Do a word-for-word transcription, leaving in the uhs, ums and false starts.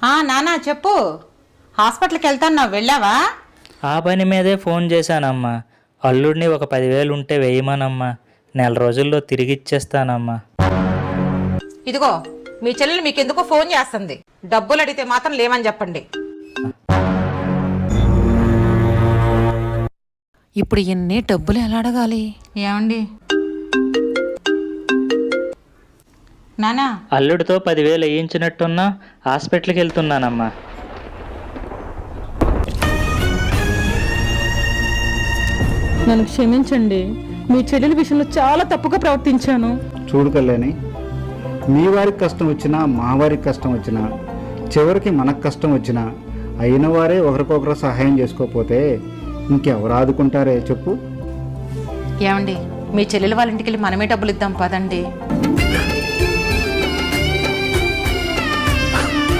నానా చెప్పు. హాస్పిటల్కి వెళ్తాను, వెళ్ళావా? ఆ పని మీదే ఫోన్ చేశానమ్మా. అల్లుడిని ఒక పదివేలు ఉంటే వేయమనమ్మా. నెల రోజుల్లో తిరిగి ఇచ్చేస్తానమ్మా. ఇదిగో మీ చెల్లెలు మీకెందుకో ఫోన్ చేస్తుంది. డబ్బులు అడిగితే మాత్రం లేవని చెప్పండి. ఇప్పుడు ఎన్ని డబ్బులు ఎలా అడగాలి? ఏమండి నానా, అల్లుడితో పదివేలు వేయించినట్టున్నా హాస్పిటల్కి వెళ్తున్నానమ్మా. నన్ను క్షమించండి, మీ చెల్లెల విషయంలో చాలా తప్పుగా ప్రవర్తించాను. చూడు కళ్యాణి, మీ వారికి కష్టం వచ్చినా మా వారికి కష్టం వచ్చినా చివరికి మనకు కష్టం వచ్చినా అయిన వారే ఒకరికొకరు సహాయం చేసుకోకపోతే ఇంకెవరు ఆదుకుంటారే చెప్పు. ఏమండి మీ చెల్లెలు వాళ్ళ ఇంటికి వెళ్ళి మనమే డబ్బులు ఇద్దాం పదండి.